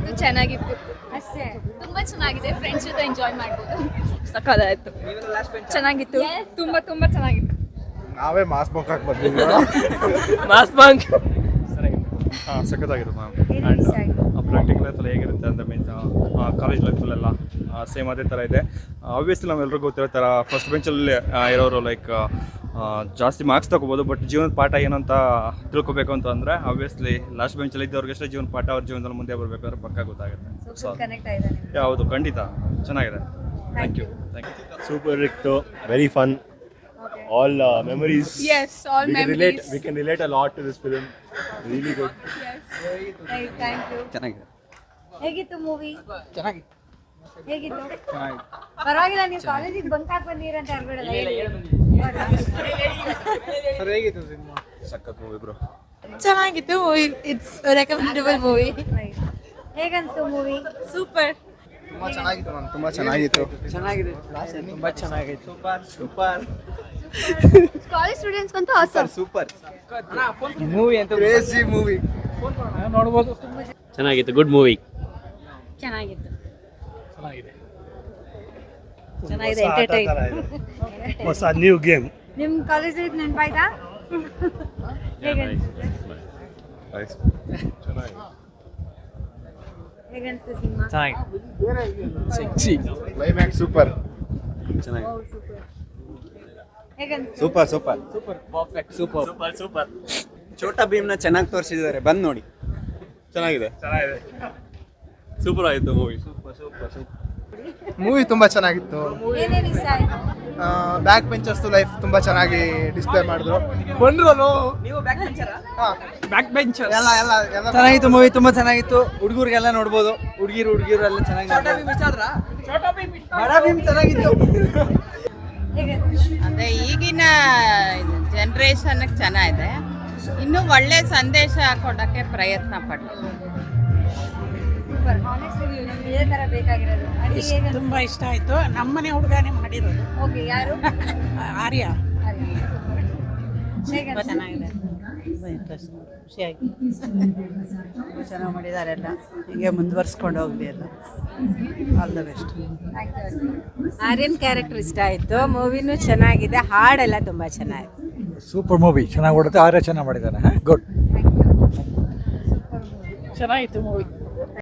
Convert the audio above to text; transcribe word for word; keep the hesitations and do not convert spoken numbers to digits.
ಚೆನ್ನಾಗಿತ್ತು ಚೆನ್ನಾಗಿತ್ತು ಅಷ್ಟೇ. ತುಂಬಾ ಚೆನ್ನಾಗಿದೆ, ಫ್ರೆಂಡ್ಸ್ ಜೊತೆ ಎಂಜಾಯ್ ಮಾಡ್ಬೋದು. ಸಕ್ಕತ್ತಾಯ್ತು, ಚೆನ್ನಾಗಿತ್ತು, ತುಂಬಾ ತುಂಬಾ ಚೆನ್ನಾಗಿತ್ತು. ನಾವೇ ಮಾಸ್ ಬಂಕ್ ಹಾಕಿ ಬಂದಿದ್ವಿ. ಮಾಸ್ ಬಂಕ್ ಹಾಂ ಸಖತ್ತಾಗಿತ್ತು ಮ್ಯಾಮ್. ಏನೇನ್ ಇಷ್ಟ ಆಯ್ತು? ಪ್ರಾಕ್ಟಿಕಲ್ ಲೈಫಲ್ಲಿ ಹೇಗಿರುತ್ತೆ ಅಂತ ಮೀನ್ಸ್ ಕಾಲೇಜ್ ಲೈಫಲ್ಲೆಲ್ಲ ಸೇಮ್ ಅದೇ ಥರ ಇದೆ. ಆಬ್ವಿಯಸ್ಲಿ ನಾವೆಲ್ಲರಿಗೂ ಗೊತ್ತಿರೋ ಥರ ಫಸ್ಟ್ ಬೆಂಚಲ್ಲಿ ಇರೋರು ಲೈಕ್ ಜಾಸ್ತಿ ಮಾರ್ಕ್ಸ್ ತಗೋಬೋದು, ಬಟ್ ಜೀವನದ ಪಾಠ ಏನಂತ ತಿಳ್ಕೊಬೇಕು ಅಂತ ಅಂದರೆ ಆಬ್ವಿಯಸ್ಲಿ ಲಾಸ್ಟ್ ಬೆಂಚಲ್ಲಿ ಇದ್ದವ್ರಿಗಷ್ಟೇ ಜೀವನ ಪಾಠ ಅವ್ರ ಜೀವನದಲ್ಲಿ ಮುಂದೆ ಬರಬೇಕಾದ್ರೆ ಪಕ್ಕ ಗೊತ್ತಾಗುತ್ತೆ. So, full connect ಆಗಿದೆ ನಿಮ್ಗೆ. ಹೌದು, ಖಂಡಿತ ಚೆನ್ನಾಗಿದೆ. Thank you thank you. Super Ricto, very fun. Okay. All uh, memories. Yes, all we can memories. relate. We can relate a lot to this film. Really good. Nice, thank you. ಚೆನ್ನಾಗಿದೆ. ಹೇಗಿತ್ತು movie? ಚೆನ್ನಾಗಿತ್ತು. ಹೇಗಿತ್ತು? ಪರವಾಗಿಲ್ಲ, ನೀವು ಕಾಲೇಜಿಗೆ bunk ಹಾಕಿ ಬಂದಿರ ಅಂತ ಹೇಳ್ಬಿಡಲ್ಲ. ಸರ್ ಹೇಗಿತ್ತು ಸಿನಿಮಾ? ಸಖತ್ ಮೂವಿ ಬ್ರೋ. ಚೆನ್ನಾಗಿತ್ತು, ಇಟ್ಸ್ ರೆಕಮೆಂಡಬಲ್ ಮೂವಿ. ಹೇಗನ್ಸ್ತು ಮೂವಿ? ಸೂಪರ್. ತುಂಬ ಚೆನ್ನಾಗಿತ್ತು ಮ್ಯಾಮ್, ತುಂಬ ಚೆನ್ನಾಗಿತ್ತು. ಚೆನ್ನಾಗಿದೆ, ತುಂಬಾ ಚೆನ್ನಾಗಿತ್ತು. ಸೂಪರ್ ಸೂಪರ್ ಕಾಲೇಜ್ ಸ್ಟೂಡೆಂಟ್ಸ್ ಅಂತೂ awesome. ಸೂಪರ್ ಮೂವಿ ಅಂತ ಕ್ರೇಜಿ ಮೂವಿ ನೋಡ್ಬೋದು. ಚೆನ್ನಾಗಿತ್ತು, ಗುಡ್ ಮೂವಿ. ಚೆನ್ನಾಗಿತ್ತು ಚೆನ್ನಾಗಿದೆ, ಚೆನ್ನಾಗಿದೆ, ಎಂಟರ್ಟೈನ್. ಹೊಸ ನ್ಯೂ ಗೇಮ್. ನಿಮ್ಮ ಕಾಲೇಜ್ ನೆನಪಾಯ್ತಾ? ಹೇಗನ್ಸ್ತು? ಹೇಗನ್ಸ್ತು ಸಿನಿಮಾ? Sexy climax super. ಹೇಗನ್ಸ್ತು? Super super super perfect super super super. Chhota ಭೀಮ್ನ ಚೆನ್ನಾಗಿ ತೋರಿಸಿದ್ದಾರೆ, ಬಂದು ನೋಡಿ. ಚೆನ್ನಾಗಿದೆ ಚೆನ್ನಾಗಿದೆ, ಸೂಪರ್ ಆಯಿತು movie. Super super super movie ತುಂಬ ಚೆನ್ನಾಗಿತ್ತು. ಏನೇನು ಇಷ್ಟ ಆಯ್ತು? ಬ್ಯಾಕ್ ಬೆಂಚರ್ಸ್ ಲೈಫ್ ತುಂಬ ಚೆನ್ನಾಗಿ ಡಿಸ್ಪ್ಲೇ ಮಾಡಿದ್ರು. ಬಂದ್ರಲ್ಲ ನೀವು ಬ್ಯಾಕ್ ಬೆಂಚರಾ? ಹಾಂ, ಬ್ಯಾಕ್ ಬೆಂಚರ್ ಎಲ್ಲ ಎಲ್ಲ ಎಲ್ಲ ಚೆನ್ನಾಗಿತ್ತು ಮೂವಿ, ತುಂಬಾ ಚೆನ್ನಾಗಿತ್ತು. ಹುಡುಗರಿಗೆಲ್ಲ ನೋಡ್ಬೋದು, ಹುಡುಗಿರು ಹುಡುಗಿರು ಎಲ್ಲ ಚೆನ್ನಾಗಿ ಬಡ ಭೀಮ್ ಚೆನ್ನಾಗಿತ್ತು. ಹೇಗನ್ಸ್ತು? ಅದೇ ಈಗಿನ ಜನ್ರೇಷನ್ಗೆ ಚೆನ್ನಾಗಿದೆ, ಇನ್ನೂ ಒಳ್ಳೆ ಸಂದೇಶ ಕೊಡೋಕ್ಕೆ ಪ್ರಯತ್ನ ಪಡ್ಲಿ. Super, honest review. ನಮ್ಗೆ ಇದೇ ಥರ ಬೇಕಾಗಿರೋದು. ಅಡುಗೆ ಹೇಗನ್ಸ್ತು? ತುಂಬಾ ಇಷ್ಟ ಆಯ್ತು. ನಮ್ಮನೆ ಹುಡುಗನೇ ಮಾಡಿರೋದು. ಓಕೆ, ಯಾರು? ಆರ್ಯ. ಹೇಗನ್ಸ್ತು? ಚೆನ್ನಾಗಿದೆ, ಖುಷಿಯಾಗಿ ಚೆನ್ನಾಗಿ ಮಾಡಿದ್ದಾರೆ. ಎಲ್ಲ ಹೀಗೆ ಮುಂದುವರ್ಸ್ಕೊಂಡು ಹೋಗ್ಲಿ ಎಲ್ಲ. All the best. Thank you. Aryan character ಇಷ್ಟ ಆಯಿತು, ಮೂವಿನೂ ಚೆನ್ನಾಗಿದೆ, ಹಾಡೆಲ್ಲ ತುಂಬ ಚೆನ್ನಾಗಿದೆ. ಸೂಪರ್ ಮೂವಿ, ಚೆನ್ನಾಗಿ ಓಡುತ್ತೆ. ಆರ್ಯ ಚೆನ್ನಾಗಿ ಮಾಡಿದ್ದಾನೆ. ಗುಡ್. ಚೆನ್ನಾಗಿತ್ತು ಮೂವಿ.